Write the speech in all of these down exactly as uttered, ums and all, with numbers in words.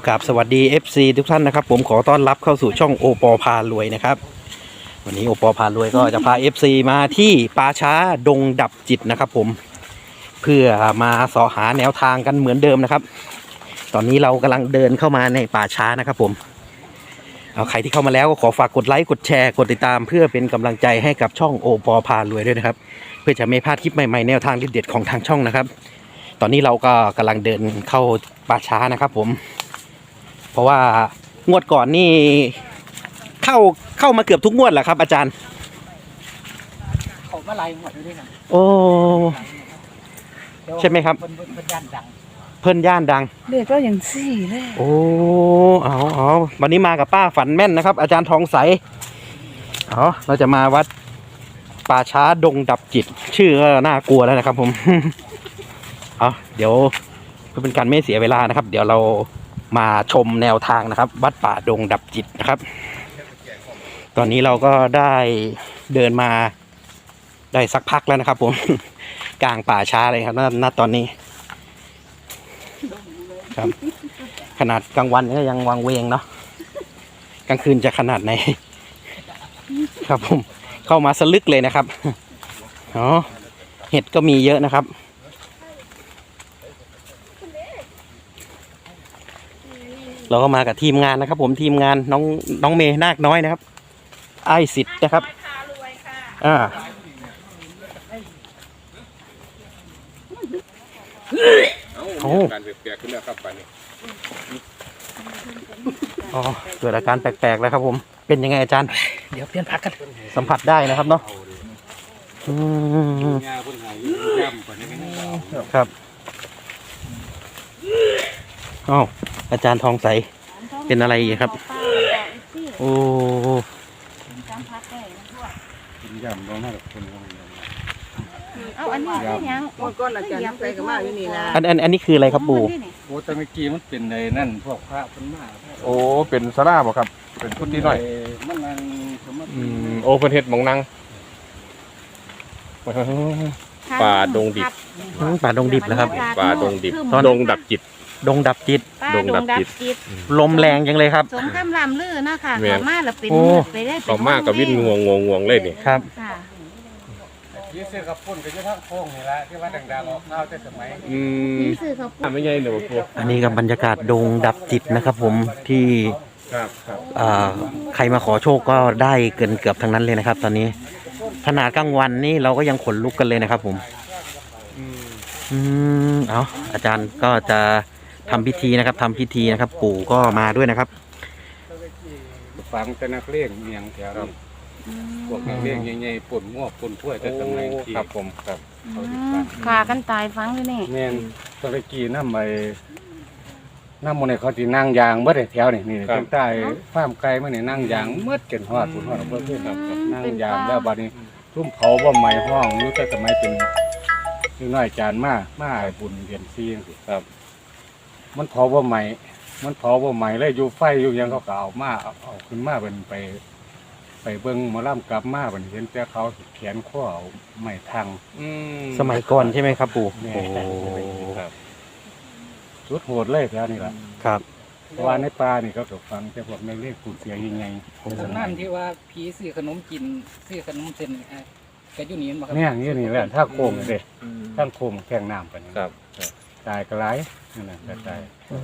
กับสวัสดี เอฟ ซี ทุกท่านนะครับผมขอต้อนรับเข้าสู่ช่องโอปอพารวยนะครับวันนี้โอปอพารวยก็จะพา เอฟ ซี มาที่ป่าช้าดงดับจิตนะครับผมเพื่อมาเสาะหาแนวทางกันเหมือนเดิมนะครับตอนนี้เรากำลังเดินเข้ามาในป่าช้านะครับผมเอาใครที่เข้ามาแล้วก็ขอฝากกดไลค์กดแชร์กดติดตามเพื่อเป็นกำลังใจให้กับช่องโอปอพารวยด้วยนะครับเพื่อจะไม่พลาดคลิปใหม่ๆแนวทางเด็ดๆของทางช่องนะครับตอนนี้เราก็กำลังเดินเข้าป่าช้านะครับผมเพราะว่างวดก่อนนี่เข้าเข้ามาเกือบทุกงวดแหละครับอาจารย์เขามาไล่หมดเลยนะโอ้ใช่ไหมครับเพิ่นเพิ่นย่านดังเพิ่นย่านดังเด็กก็อย่างสี่เลยโอ้เอาเอาวันนี้มากับป้าฝันแม่นนะครับอาจารย์ทองใสเอาเราจะมาวัดป่าช้าดงดับจิตชื่อก็น่ากลัวแล้วนะครับผมเอาเดี๋ยวเพื่อเป็นการไม่เสียเวลานะครับเดี๋ยวเรามาชมแนวทางนะครับวัดป่าดงดับจิตนะครับตอนนี้เราก็ได้เดินมาได้สักพักแล้วนะครับผมกลางป่าช้าเลยครับณตอนนี้ครับขนาดกลางวันก็ยังวังเวงเนาะกลางคืนจะขนาดไหนครับผมเข้ามาสลึกเลยนะครับอ๋อเห็ดก็มีเยอะนะครับเราก็มากับทีมงานนะครับผมทีมงานน้องน้องเมย์นาคน้อยนะครับไอสิทธิ์นะครับอ่าโอ้การแปลกๆขึ้นแล้วครับป่านนี้อ๋อเกิดอาการแปลกๆแล้วครับผมเป็นยังไงอาจารย์เดี๋ยวเปลี่ยนพักกันสัมผัสได้นะครับเนาะอืมครับอ๋ออาจารย์ทองใสเป็นอะไรครับโอ้กินยำร้อนมากกับคนเอาอันนี้ยังก้อนอาจารย์ใส่กับมาอยู่นี่นะอันอันอันนี้คืออะไรครับปู่โอ้แต่เมื่อกี้มันเป็นในนั่นพวกพระเป็นมาโอ้เป็นสลาบ่ครับเป็นพุทธิน้อยมันนั่งสมอืมโอ้เพิ่นเฮ็ดหม่องนั่งป่าดงดิบป่าดงดิบแล้วครับป่าดงดิบดงดับจิตดงดับจิตดงดับจิตลมแรงจังเลยครับสงครามลำลื่นนะค่ะขอมาแล้วเป็นไปได้ขอมากกับวิ่งงวงงวงงวงเลยนี่ครับยี่ซื้อกับปุ่นก็จะทั้งโค้งนี่แหละที่ว่าดังๆออกข้าวแต่สมัยอืมซื้อกับปุ่นไม่ใช่หนูพวกอันนี้กับบรรยากาศดงดับจิตนะครับผมที่ครับครับอ่าใครมาขอโชคก็ได้เกินเกือบทั้งนั้นเลยนะครับตอนนี้ขนาดกลางวันนี่เราก็ยังขนลุกกันเลยนะครับผมอืมเอาอาจารย์ก็จะทำพิธีนะครับทำพิธีนะครับปู่ก็มาด้วยนะครับฟังแต่นักเลี้ยงเมียงแถวนี้พวกนักเลี้ยงใหญ่ๆปุ่นงวกปุ่นถ้วยแต่สมัยที่ครับผมครับขากันตายฟังเลยนี่แม่นตะกี้น้ำไปน้ำมันเนี่ยเขาที่นั่งยางเมื่อแถวนี่นี่ตั้งใต้ฟาร์มไก่เมื่อนี่นั่งยางเมื่อเกินหอดปุ่นหอดเพื่อนเพื่อนครับนั่งยางแล้วบัดนี้ทุ่มเผาบ่ใหม่ห้องรู้แต่สมัยเป็นนี่น้อยจานมามาบุญเรียนซีนครับมันเผาบ่ใหม่มันเผาบ่ใหม่เลยอยู่ไฟอยู่ยังเขาเอามาเอาขึ้นมาเป็นไปไปเบิ้งมาล่ำกลับมาเป็นเห็นแต่เขาแขนข้อเอาไม้ทางสมัยก่อนใช่ไหมครับปู่โอ้สุดโหดเลยแถวนี้แหละครับเพราะว่าในป่านี่เขาถูกฟังแต่พวกในเรียกปูเสียยังไงนั่นที่ว่าผีซื้อขนมกินซื้อขนมเส้นก็อยู่นี่มั้งครับเนี่ยนี่นี่แหละถ้าโค้งเลยถ้าโค้งแข่งน้ำกันครับตายกระไรนั่นแหละกระตาย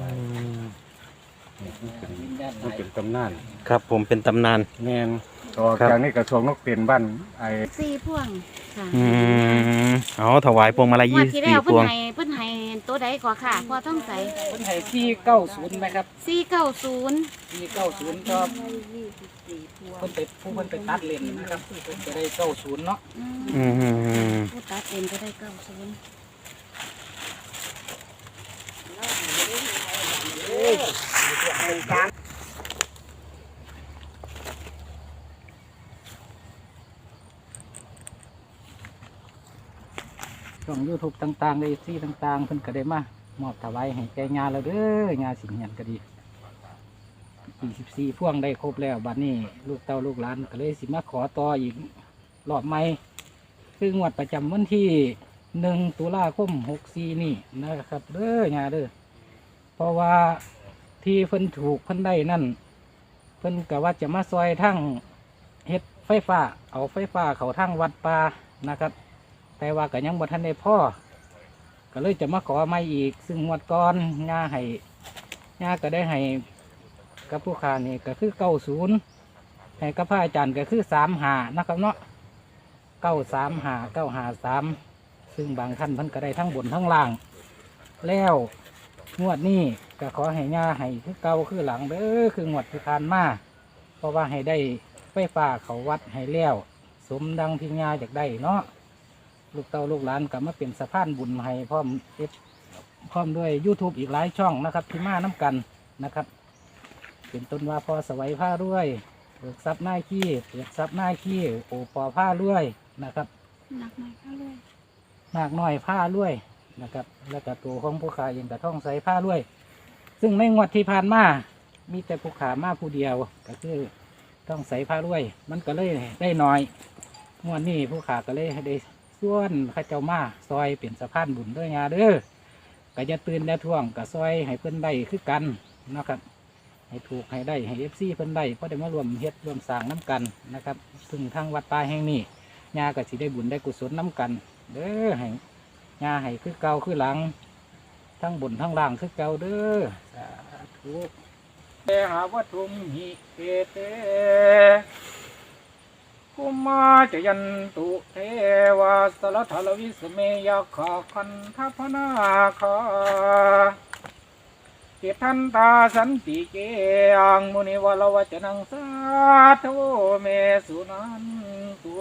มันเป็นตำนานครับผมเป็นตำนานแมนต่อจากนี้กระทรวงนกเปลี่ยนบ้านไอ้สี่พวงค่ะอืมอ๋อถวายพวงมาลัยยี่สิบสี่พวงเพิ่นให้ตัวใดก่อนค่ะพอต้องใส่เพิ่นให้สี่เก้าศูนย์ไหมครับสี่เก้าศูนย์สี่เก้าศูนย์ก็เพิ่นไปผู้เพิ่นไปตัดเลนนะครับเพิ่นจะได้เก้าศูนย์เนาะอืมผู้ตัดเลนก็ได้เก้าศูนย์ช่องยูทูบต่างๆในที่ต่างๆเพิ่นก็ได้มามอบถวายให้แก่งานเราเด้องานสิงเหียนก็ดีสี่สิบสี่พ่วงได้ครบแล้วบัดนี้ลูกเต้าลูกหลานก็เลยสิมาขอต่ออีกรอบใหม่คืองวดประจำวันที่หนึ่งตุลาคมหกสี่นี่นะครับเด้องานเด้อเพราะว่าที่เพิ่นถูกเพิ่นได้นั่นเพิ่นก็ว่าจะมาซอยทั้งเฮ็ดไฟฟ้าเอาไฟฟ้าเขาทั้งวัดป่านะครับ แต่ว่าก็ยังบ่ทันได้พ่อก็เลยจะมาขอใหม่อีก ซึ่งงวดก่อนย่าให้ย่าก็ได้ให้กับผู้ค้านี่ก็คือเก้าศูนย์ให้กับพระอาจารย์ก็คือสามหานะครับเนาะเก้าสามหาเก้าหาสามซึ่งบางท่านเพิ่นก็ได้ทั้งบนทั้งล่าง แล้วงวดนี้ก็ขอให้ย่าให้คือเก่าคือหลังเด้อคืองวดที่ผ่านมาเพราะว่าให้ได้ไฟฟ้าเขาวัดให้แล้วสมดังที่ย่าอยากได้เนาะลูกเต้าลูกหลานก็มาเป็นสะพานบุญให้พร้อมเอฟพร้อมด้วย YouTube อีกหลายช่องนะครับที่มาน้ำกันนะครับ เป็นต้นว่าพอสวัยผ้าด้วยเปิดซับหน้าขี้เปิดซับหน้าขี้โอปอผ้าด้วยนะครับหนักหน่อยค่ะเลยหนักหน่อยผ้าด้วยนะครับแล้วก็ตัวของผู้ขาเองก็ท่องใส่ผ้าด้วย ซึ่งในงวดที่ผ่านมามีแต่ผู้ขามาผู้เดียวก็คือต้องใส่ผ้าด้วย มันก็เลยได้น้อยงวดนี้ผู้ขาก็เลยได้ส่วนข้าเจ้ามาซอยเปลี่ยนสะพานบุญด้วยงาเด้อก็จะตื่นได้ท่วงก็ซอยให้เพิ่นได้คือกันนะครับให้ถูกให้ได้ให้เอฟซีเพิ่นได้เพราะได้มารวมเฮ็ดรวมสร้างน้ำกันนะครับซึ่งทางวัดป่าแห่งนี้ญาก็สิได้บุญได้กุศลน้ำกันเด้อให้ญาให้คือเก่าคือหลังทั้งบนทั้งล่างคือเก่าเด้อสาธุเตหาวัตถุมหิเตเตกุมาจยันตุเทวาสลทลวิสเมยขาคันทัพนาคาเกทันตาสันติเกอังมุนิวลวจนังสาธุเมสุนันตุ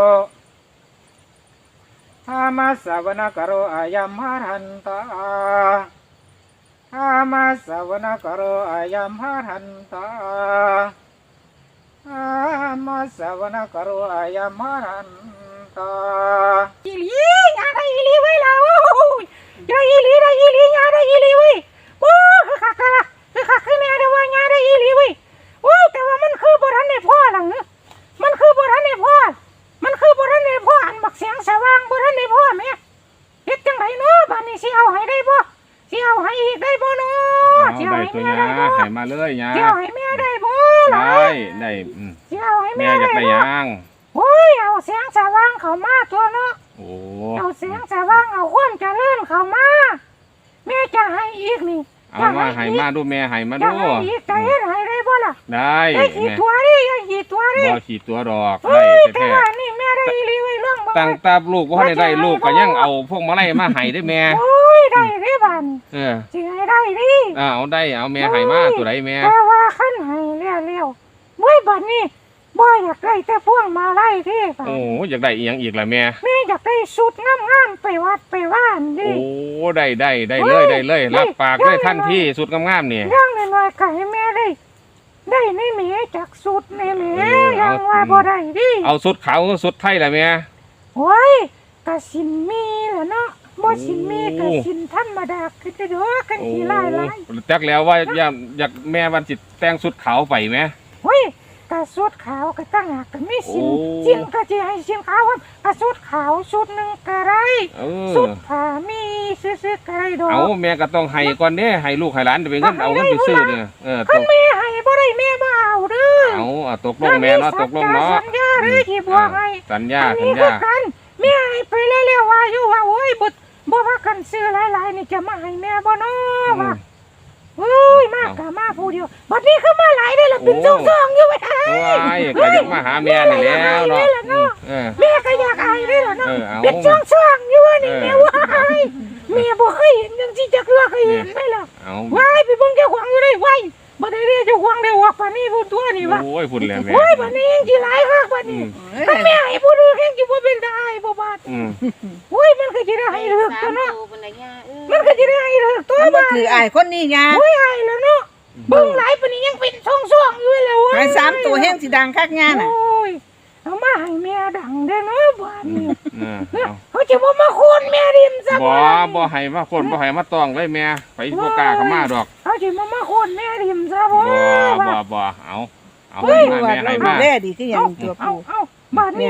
ธรรมสวนกโรอายัมหารันตาธรรมสวนกโรอายัมหารันตาธรรมสวนกโรอายัมหารันตาอีหลียาได้อีหลีไว้แล้วยาอีหลีได้อีหลียาได้อีหลีไว้โอ้คือคักคือคือคักคือแม่ได้ว่ายาได้อีหลีไว้โอ้แต่ว่ามันคือบ่ทันได้พ่อหลังมันคือบ่ทันได้พ่อมันคือบ่ทันได้พ่ออันบักเสียงสว่างบ่ทันได้พ่อแม่เฮ็ดจังไดเนาะบัดนี้สิเอาให้ได้บ่สิเอาให้อีกได้บ่เนาะเอาได้ตัวเนี้ยให้มาเลยยาสิเอาให้แม่ได้บ่ล่ะได้ได้อืมสิเอาให้แม่แม่อยากได้ได้บ่ยังโอ้ยเอาเสียงสว่างเข้ามาตัวเนาะโอ้เอาเสียงสว่างเอาความเจริญเข้ามาแม่จะให้อีกนี่เอามาให้มาดูแม่ให้มาจะดูให้อีกจะเฮ็ดให้ได้บ่ล่ะได้ได้กี่แม่ตัวดิได้กี่ตัวดิบ่ขีดตัวดอกเฮ้ได้ยแต่แท้ว่านี่แม่ได้อีหลีไว้เรื่องบ่ๆตั้งตาลูกบ่ได้ได้ลูกก็ยังเอาพวกมาไล่มาให้ได้แม่โอ้ยได้ดิบันเออสิให้ได้ดิอ่าเอาได้เอาแม่ให้มาตัวใดแม่แต่ว่าคันให้แล้วๆบ่บัดนี้บ่อยากได้แต่พวงมาลัยที่บัดโอ้อยากได้อีหยังอีกล่ะแม่แม่อยากได้ชุดงามๆไปวัดไปว่านดิโอ้ได้ได้ได้เลยได้เลยรับปากเลยทันทีสุดงามๆนี่ย่างน้อยๆก็ให้แม่ได้ ได้ในแม่จากชุดในแม่เออเอายังว่าบ่ได้ดิเอาสุดขาวสุดไทยล่ะแม่โอ้ยก็สินมีล่ะเนาะบ่สินมีก็โอ้สินธรรมดาคือจะเด้อกันโอ้สิหลายหลายจักแล้วว่าอยากอยากแม่วันสิแต่งสุดขาวไปไหมเฮ้ยกระสุดขาวก็ตั้งหากก็มีสินโอ้สินก็จะให้สินขาวครับกระสุดขาวสุดหนึ่งก็ได้เอสุอดผ้ามีซื้อๆก็ได้ดอกเอาแม่ก็ต้องให้ก่อนเด้ให้ลูกให้หลานจะไปเงินเอาเงินไปซื้อเนี่ยเออคัต้นองแม่ให้บ่ได้แม่บ่เอาเด้อเอาอ่ะตกลงแม่เนาะตกลงเนาะสัญญาเด้อที่บอกให้สัญญาอันสัญนี้คืญาอกันแม่ให้ไปเร็วๆว่าอยู่ว่าโอ้ยบ่บ่ว่ากันซื้อหลายๆนี่จะมาให้แม่บ่เนาะว่าเฮ้ยมากกะมาผู้เดียวบัดนี้คือมาหลายได้อล่ะเป็นซ่องๆอยู่ไว้ให้ว้ายก็อยากมาหาแม่นี่แล้วเนาะเออแม่ก็อยากอายได้อล่ะเนาะเออเอาเป็นช่องช่องอยู่ว่านี่เออแม่ว่าอายแม่บ่เคยเห็นจังซี่จักเทื่อเคยเห็นไหมล่ะเอาว้ายไปเบิ่งเจ้าของอยู่ได้ไว้บ่ได้เรียกเจ้าของได้ว่าปานนี้พูดตัวนี่ว่าโอ้ยพุ่นแล้วแม่โอ้ยปานนี้ยังสิหลายคักปานอืนี้มถ้าแม่ให้ผู้อื่นยังสิบ่เป็นตาให้บ่บาดอืมโอ้ยมันก็สิได้ให้เลิกตัวเนาะบนไหนยาเออมันก็สิได้ให้เลิกตัวมันบ่บาดถืออ้ายคนนี้ยาโอ้ยให้แล้วเนาะเบิ่งหลายปานนี้ยังเป็นช่องๆอยู่แล้วเว้ยหายสามตัวแห้งสิดังคักยาน่ะโอ้ยเอามาให้แม่ดังได้เนาะบาดนี้เออเอาเขาจะบ่มาโคนแม่ริมซะบ่บ่ให้มาคนบ่ให้มาตองเลยแม่ไปบ่กล้าเข้ามาดอกเขาจะมามาโคนแม่ริมซะบ่บ่บ่บ่เอาเอาเฮ้ให้ยมาว่าแม่ให้เราดูมาแลดีคือหยังตัวเอาปู่เอาบาดนี้แม่ค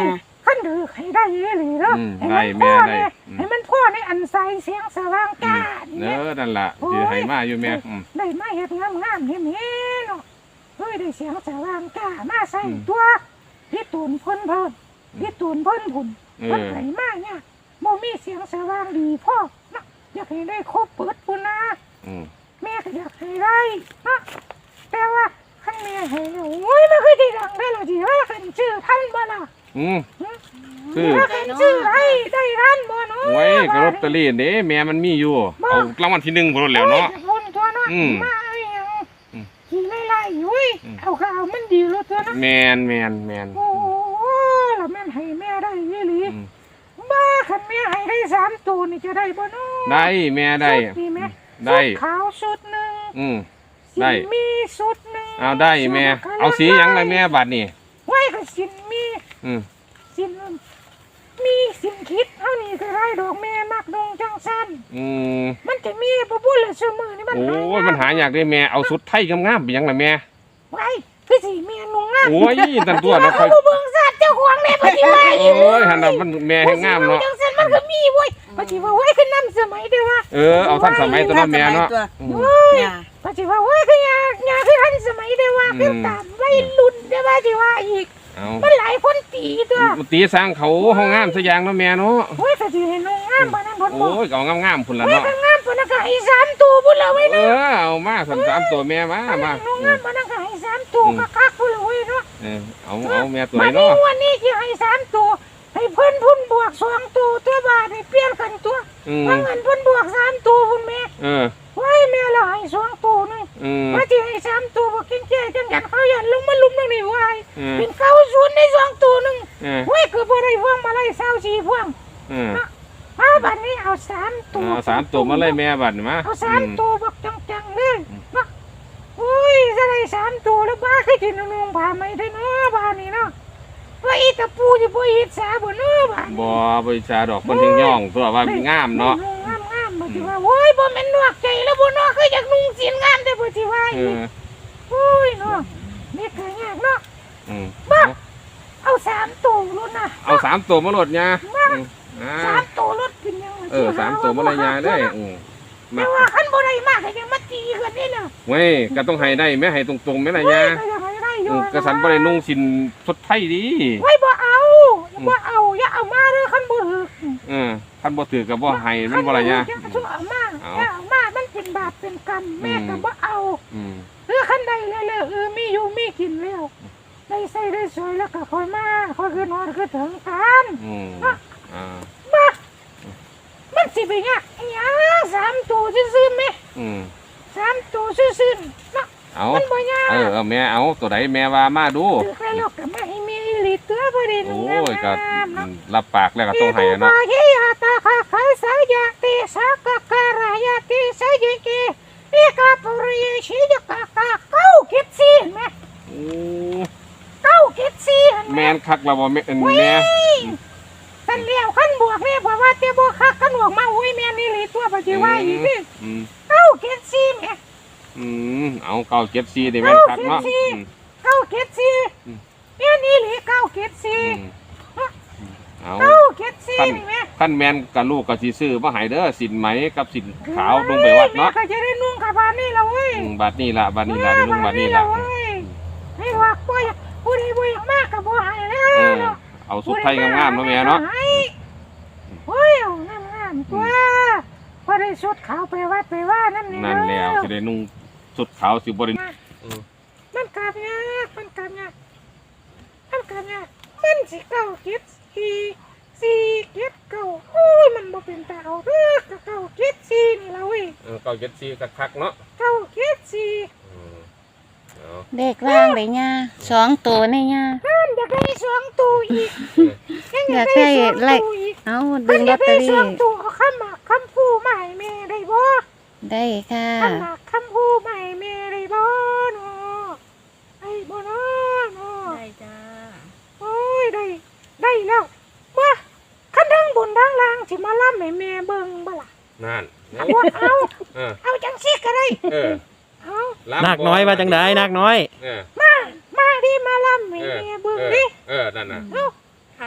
ขั้นดือให้ได้อีหลีเนาะอืมให้ได้มันพ่อแม่ได้เนี่ยอืมให้มันพ่อในอันใสเสียงสว่างกาเอเนี่ยอนั่นล่ะสิให้มาอยู่แม่อืมได้มาเฮ็ดงามงามๆเห็นเนาะเฮ้ยได้เสียงสว่างกามาใส่อืมตัวพี่ตูนพ่นเพิ่นพี่ตูนพ่นผุนเอเพิ่นอไหนมาเนี่ยโมมีเสียงสว่างดีพ่อเนาะอยากให้ได้ครบเปิดปุ่นนะอืมแม่ก็อยากให้ได้เนาะแต่ว่าขั้นแม่ให้เนี่ยโอ้ยมันคือที่ดังได้หรอจีว่าขันชื่อท่านบ่ล่ะอืม คือว่าขันชื่อให้ได้ท่านบ่เนาะไว้ก็ลอตเตอรี่เด้แม่มันมีอยู่เอารางวัลที่หนึ่งพุ่นแล้วเนาะโอ้ยคนตัวเนาะอืมมาเอาอย่างอืมขี่ไล่ๆอุ้ยอืมเอาข้าวมันดีแล้วตัวเนาะแมนแมนแมนโอ้แล้วแม่นให้แม่ได้ยี่หลีอืมบ้าขันแม่ให้ได้สามตัวนี่จะได้บ่เนาะได้แม่ได้สุดีไหมได้สุขาวสุดหนึ่งอืมสิได้มีสุดหนึ่งเอาได้แม่ เอาสีหยังไรแม่บัดนี่ไว้ก็สินมีอืมสินมีสินคิดเท่านี้ก็ได้ดอกแม่มักดงจังสันอืมมันจะมีบ่บุญละเสมอนี่มันโอ้ยมันหายากเด้แม่เอาสุดไทยงามๆไปหยังล่ะแม่ไว้คือสิแม่นุ่งงามโอ้ยตันตัวเนาะค่เขาอยบ่เบิ่งสัตว์เจ้าของแม่ปฏิวัติโอ้ยหันน่ะมันแม่ให้งามเนาะจังสันมันก็มีเว้ยปฏิวัติเว้ยคือนำสมัยเด้อว่าเออเอาทันสมัยตัวเนาะแม่เนาะอืมเว้ยเนี่ยปฏิวัติเว้ยคือยายาคือทันสมัยเด้อว่าอืมคือตามวัยรุ่นเด้อว่าสิว่าอีกเอามันหลายคนตีตัวตีสร้างเขาห้องงามซะอย่างเนาะแม่เนาะเว้ยก็สิให้นุ่งงามบ่นั้นเพิ่นบโอ้อกยก็เอางามๆพุ่นล่ะเว้ยเนาะก็งามปานนั้นก็ให้สามตัวพุ่นละเว้ยเอเนาะอเอามาสามสามตัวแม่มามานุ่งอืงาม มปานนั้นก็ให้สามตัวก็คักพุ่นละเว้ยเนาะเออเอาเอาแม่ตัวบัไหนดนี้เนาะวันนี้สิให้สามตัวให้เพิ่นพุ่นบวกสองตัวตัวบาทให้เปลี่ยนกันตัวอืมว่าเงินเพิ่นบวกสามตัวพุ่นแม่เออไว้แม่ละให้สองตัวนึงอืมว่าสิให้สามตัวบ่กินแก่จังหยัดเขาหยันลงมาลุมตรงนี้ไว้เออเป็นเก้าศูนย์ในสองตัวนึงเออไว้คือบ่ได้พวงมาลัยเศร้าสี่พวงเออมาบัดนี้เอาสามตัวเอาสามตัวมาเลยแม่บัดมาเอาสามตัวบักจังๆเลยมาโอ้ยจะได้สามตัวแล้วบ้าคือสินุ่งผ้าไหมได้เนาะบ้านนี้เนาะว่าอีตะปูสิบ่เฮ็ดสาบ่เนาะบ้านบ่บริจาดอกคนถึงย่องตัวว่ามันงามเนาะงามงามบ่สิว่าโอ้ยบ่แม่นนวกใจแล้วบ่เนาะคืออยากนุ่งสีงามแต่บ่สิว่าเออีกอโอ้ยเนาะนี่ก็ยากเนาะอืมเอาสามตัวรถนะเอาสามตัวมาโหลดยาอืมอ่าสามตัวรถกินยังเออสามตัวมาเลยยาเลยอืมมาแต่ว่าคันบ่ได้มากก็ยังมาตีกันนี่น่ะเว้ยก็ต้องให้ได้แม่ให้ตรงๆแม่ละยาก็ยังให้ได้ออืยู่มกระสันบ่ได้นุ่งสินสดไทยดีไว้บ่เอาบ่เอาอย่าเอามาเด้อคันบ่ถึกเออคันบ่ถือก็บ่ให้มันบ่ละยาอย่าเอามาอย่าเอามามันเป็นบาปเป็นกรรมแม่ก็บ่เอาอืมเรือคันใดแล้วๆเออมีอยู่มีกินแล้วได้ใส่ได้สวยแล้วก็ค่อยมาค่อยคือนอนคือถึงกันอืมอ่ามามันสิไปยากอิหยังสามตัวซื่อๆแม่อืมสามตัวซื่อๆเนาะเอามันบ่ยากเออเอาแม่เอาตัวใดแม่ว่ามาดูถึกแล้วก็มาให้มีอีหลีตัวบ่ได้โอ้นุ่งยก็งามๆอืเนาะมรับปากแล้วก็ต้องให้อะเนาะเฮียตาคาคายสายาติสากะการายาติสายเกเอกาปุริยชิยกะกะเก้าเก็ดซี่แม่โอ้เก้าเก็ดซี่แม่นคักแล้วบ่แม่นแม่สันเลี้ยวขั้นบวกเนี่ยเพราะว่าเต้บวกคักขั้นบวกมาอุ้ยแม่นี่เลยตัวปัจจุบันอีกนี่อืมเก้าเก็ดซี่แม่อืมเอาเก้าเจ็ดสี่ดิแม่นคักเนาะอืมเก้าเก็ดซี่อืมแม่นี่เลยเก้าเก็ดซี่อืมเอาเก้าเก็ดซี่ขั้นนี่แม่ขั้นแม่นกับลูกก็สิซื้อมาให้เด้อสินไหมกับสินขาวลงไปวัดเนาะแม่ก็จะได้นุ่งกับบานนี่ละเว้ยอืมบัดนี้ล่ะบัดนี้ล่ะได้ลุงบัดนี้ล่ะเว้ยไม่ว่าป่วยผู้ใดป่วยมากกับบ่หายแล้เอวอเนาะเอาสุดไทยงามๆเนาะแม่เนาะโอ้ยเอางามๆตัวพอได้ชุดขาวไปวัดไปว่านั่นนี่นั่นแล้วสิได้นุ่งสุดขาวสิบ่ได้มันกลับยากมันกลับยากมันกลับยากมันสิเก้าเก็ดสี่สี่เก็ดเก้าโอ้ยมันบ่เป็นตาเอาเด้อเก้าเก็ดสี่นี่ละเว้ยเออเก้าเจ็ดสี่ก็คักเนาะเก้าเก็ดสี่อืมเอาเด็กล่างเลยย่าสองตัวนี่ย่านั่นอยากได้สองตัวอีกยังอยาก กอายได้ได้สองไล่ตัวอีกเอามัดึนงอลยาอก ตเตได้อสรี่องตัวเอาคำหมากคำพูมาให้แม่ได้บ่ได้ค่ะคำหมากคำพูมาให้แม่ได้บ่เนาะไอ้บ่เนาะเนาะได้จ้าโอ้ยได้ได้แล้วว่าคันทั้งบนทั้งล่างสิมาล่ำให้แม่เบิ่งบ่ล่ะนั่นเอาบ่เอาเออเอาจังซี่ก็ได้เออเอานาคน้อยมาจังไดนาคน้อยเออมามาดิมาล่ำให้เออแม่เบิ่งเออดิเออนั่นน่ะเอาค่ะ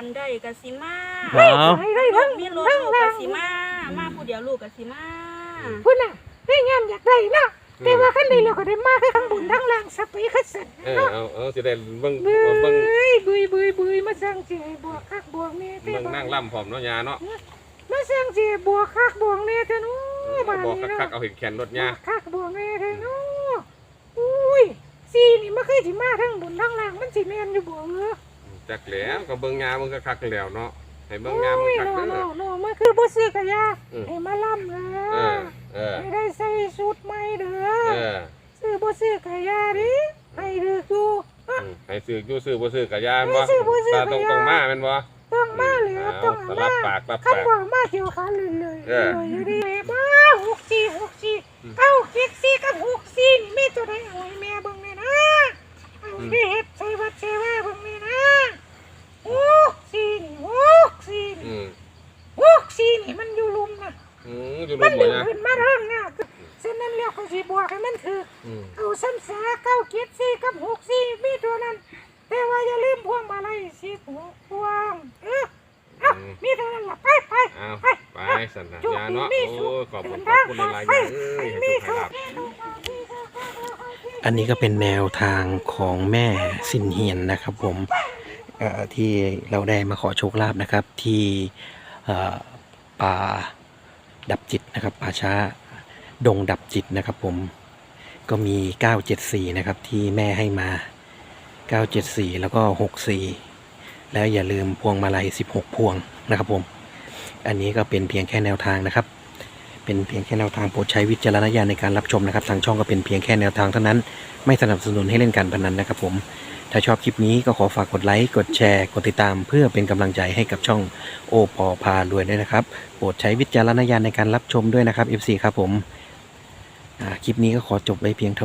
คันได้กะสิมาเอาให้ได้ทั้งมีรถทั้งลูกล่ากะงสิมา มาผู้เดียวลูกกะสิมาพุ่นน่ะได้งานอยากได้เนาะแต่ว่าคันใดเราก็ได้มาคือทั้งบุญทั้งล่างสเปคคัสสันเออเอาเอาสิได้เบิ่งเบื่เบิ่งอบุยบุยบุยมาสร้างเจบวกคักบวกเนี่ยแต่เบิ่งบ่นั่งล่ำพร้อมเนาะยาเนาะมาสร้างเจบวกคักบวกเนี่ยแต่นู้บ้านบอกนี้คักเนาะๆเอาเห็นแขนรถยาคักบวกเนี่ยแต่นู้อุ้ยซีนี่มันเคยสิมาทั้งบุญทั้งล่างมันสิแม่นอยู่บ่เออจักแล้วก็เบิ่งยามึงคักๆแล้วเนาะให้เบิ่งโอ้ยามึงยคักโนเด้โนอโนมันคือบ่ซื้อกะยาอืมให้มาล่ำเด้เอออเออให้ได้ใส่ชุดใหม่เด้อเออซื้อบ่ซื้อกะยาดิให้เด้ออยู่อืมให้ซื้ออยู่ซื้อบ่ซื้อก็ยาแม่นบ่ให้ซื้อบ่ซื้อก็ตาต้องยาต้องมาแม่นบ่ต้องมาเลยเอาต้องแต่มารับปากรับคันปากบ่มาเกี่ยวขาเลยเลยเออเลยอยู่ดีมาหกสี่หกสี่เก้าเจ็ดสี่กับหกสี่นี่มีตัวใดเอาให้แม่เบิ่งแน่นะเอาไปเฮ็ดใส่วัดใส่ว่าเบิ่งแน่นะหกสี่นี่หกสี่อืนี่มหกสี่นี่มันอยู่ลุมนะอืมอยู่มัรุ่นนบ่ดึงยาขึ้นมาเรื่องเนี่ยฉะนั้นเรียกเขาสิบวกให้มันถืออืมเอาซ้ำสาเก้าเจ็ดสี่กับหกสี่มีตัวนั้น แต่ว่าอย่าลืมพวงมาลัยสิบหกพวงเออเอามีตัวนั้นล่ะไปไปเอาไปไปสันนะยาเนาะโอ้ยขอบคุณขอบคุณหลายๆยาเอ้ยให้มีสุขสุขให้ลาภอันนี้ก็เป็นแนวทางของแม่สินเฮียนนะครับผมเอ่อที่เราได้มาขอโชคลาภนะครับที่เอ่อป่าดับจิตนะครับป่าช้าดงดับจิตนะครับผมก็มีเก้าเจ็ดสี่นะครับที่แม่ให้มาเก้าเจ็ดสี่แล้วก็หกสี่แล้วอย่าลืมพวงมาลัยสิบหกพวงนะครับผมอันนี้ก็เป็นเพียงแค่แนวทางนะครับ เป็นเพียงแค่แนวทางโปรดใช้วิจารณญาณในการรับชมนะครับทางช่องก็เป็นเพียงแค่แนวทางเท่านั้นไม่สนับสนุนให้เล่นการพนันนะครับผมถ้าชอบคลิปนี้ก็ขอฝากกดไลค์กดแชร์กดติดตามเพื่อเป็นกำลังใจให้กับช่องโอปอพารวยด้วยนะครับโปรดใช้วิจารณญาณในการรับชมด้วยนะครับ เอฟ ซี ครับผมอ่าคลิปนี้ก็ขอจบไว้เพียงเท่า